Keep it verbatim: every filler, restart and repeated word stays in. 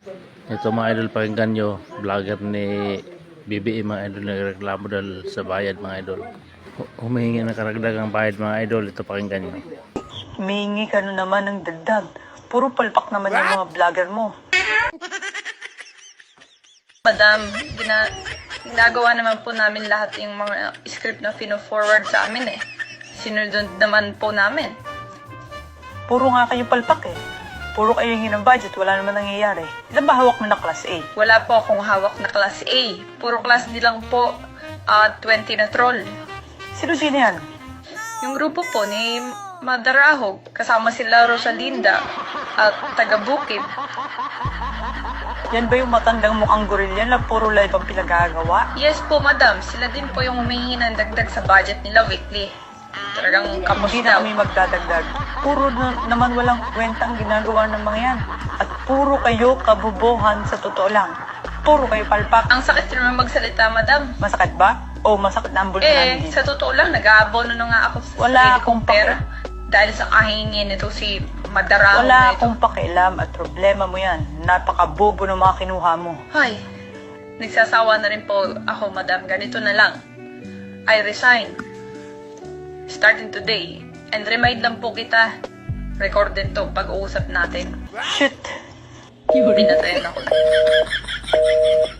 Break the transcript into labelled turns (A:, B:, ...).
A: Ito mga idol, pakinggan nyo, vlogger ni B B E mga idol, nagreklamo dahil sa bayad mga idol. Humihingi ng karagdagang bayad mga idol, ito pakinggan nyo.
B: Humihingi ka na naman ng dagdag. Puro palpak naman yung mga vlogger mo.
C: Madam, gina ginagawa naman po namin lahat yung mga script na fino-forward sa amin eh. Sinunod naman po namin.
B: Puro nga kayo palpak eh. Puro kayo hingi ng budget, wala naman nangyayari. Ilan ba hawak mo na class A?
C: Wala po akong hawak na class A. Puro class D lang po, uh, twenty na troll.
B: Sino-sino yan?
C: Yung grupo po ni Madarahog, kasama sila Rosalinda at taga Bukid.
B: Yan ba yung matandang mukhang gorilla na puro live ang pinagagawa?
C: Yes po, madam. Sila din po yung humihingi ng dagdag sa budget nila weekly. Talagang kapos
B: Hindi na
C: daw.
B: kami magdadagdag. Puro na, naman walang kwentang ginagawa ng mga yan. At puro kayo kabubuhan sa totoo lang. Puro kayo palpak.
C: Ang sakit naman magsalita, madam.
B: Masakit ba? O masakit na ang bultuhan
C: Eh,
B: din?
C: sa totoo lang, nag-aabono na nga ako sa
B: Wala
C: sarili
B: akong
C: kong pera. Dahil sa kahingin nito si Madarahog
B: Wala
C: na ito.
B: akong pakialam at problema mo yan. Napakabobo ng mga kinuha mo.
C: Ay, nagsasawa na rin po ako, madam. Ganito na lang. I resign. Starting today. And remind lang po kita, recorded to pag-uusap natin.
B: Shit!
C: Pinatayan ako.